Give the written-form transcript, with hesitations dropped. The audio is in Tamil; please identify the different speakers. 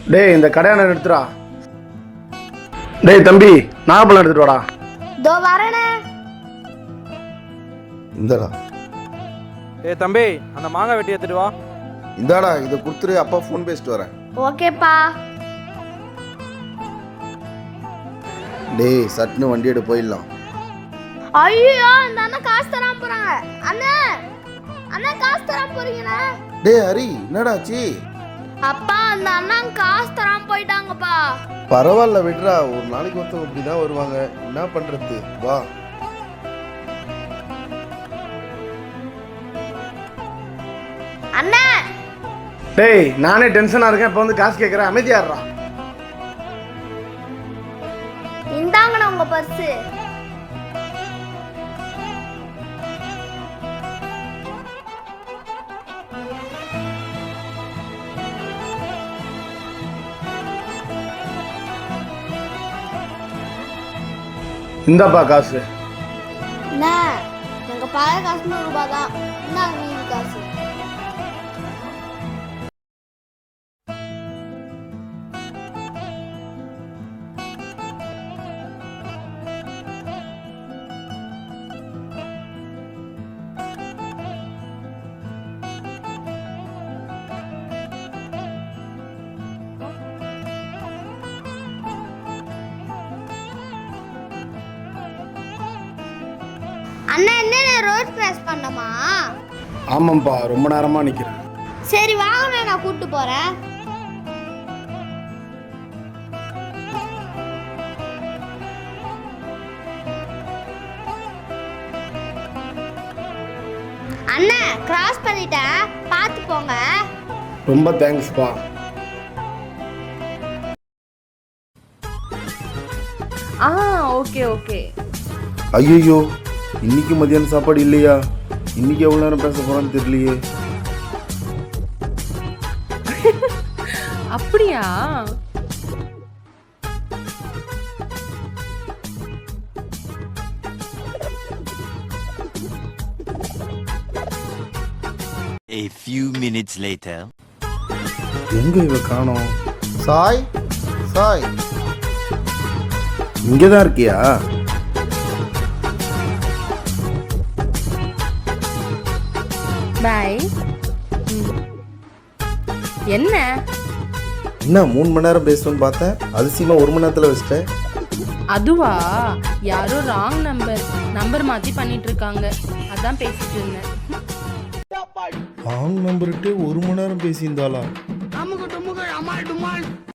Speaker 1: டேய் இந்த கடையான எடுத்துடா. டேய் தம்பி நாகப்பழம் எடுத்துட்டு வாடா.
Speaker 2: தோ வரேனே.
Speaker 3: இந்தாடா.
Speaker 4: ஏய் தம்பி அந்த மாங்காய் வெட்டி எடுத்துட்டு வா.
Speaker 3: இந்தாடா இதை கொடுத்துரு, அப்பா ஃபோன் பேசிட்டு வரேன்.
Speaker 2: ஓகேப்பா.
Speaker 3: டேய் சட்னு வண்டி எடு போயிடலாம்.
Speaker 2: ஐயோ இந்த அண்ணா காசு தராம போறாங்க. அண்ணா அண்ணா காசு தராம போறீங்கண்ணா.
Speaker 3: டேய் ஹரி என்னடாச்சு?
Speaker 2: அப்பா அந்த அண்ணா காசு தராம போயிட்டாங்கப்பா.
Speaker 3: பரவாயில்ல விட்றா, ஒரு நாளைக்கு ஒருத்தவங்க இப்படிதான் வருவாங்க, என்ன பண்றது வா.
Speaker 2: அண்ணா
Speaker 1: டேய் நானே டென்ஷனா இருக்கேன், இப்போ வந்து காசு கேட்குறேன், அமைதியாடுறா.
Speaker 2: இந்தாங்கண்ணா உங்க பர்ஸு.
Speaker 1: இந்தாப்பா காசு.
Speaker 2: அண்ணா எங்க பழைய காசு 100 ரூபாய் தான். இந்தாங்க மீதி காசு. அண்ணா என்ன ரோட் கிராஸ் பண்ணமா?
Speaker 1: ஆமாம்ப்பா ரொம்ப நேரமா நிக்கிறேன்.
Speaker 2: சரி வாங்க நான் கூட்டு போறேன். அண்ணா கிராஸ் பண்ணிட்டேன், பார்த்து போங்க.
Speaker 1: ரொம்ப தேங்க்ஸ்ப்பா.
Speaker 5: Okay okay.
Speaker 3: ஐயோ இன்னைக்கு மதியான சாப்பாடு இல்லையா? இன்னைக்கு எவ்வளவு நேரம் பேச போறான்னு தெரியலையே.
Speaker 5: அப்படியா?
Speaker 6: A few minutes later.
Speaker 3: எங்க இவ காணோம்? சாய் சாய் இங்கதான் இருக்கியா?
Speaker 5: பாய். என்ன
Speaker 3: என்ன 3 மணி நேரம் பேசணும்னு பார்த்தேன், அதிசயமா 1 மணி நேரத்துல வச்சிட்டேன்.
Speaker 5: அதுவா? யாரோ ராங் நம்பர் மாத்தி பண்ணிட்டு இருக்காங்க, அதான் பேசிட்டு இருந்தேன்.
Speaker 3: ராங் நம்பர்கிட்டே 1 மணி நேரம் பேசியிருந்தாளா?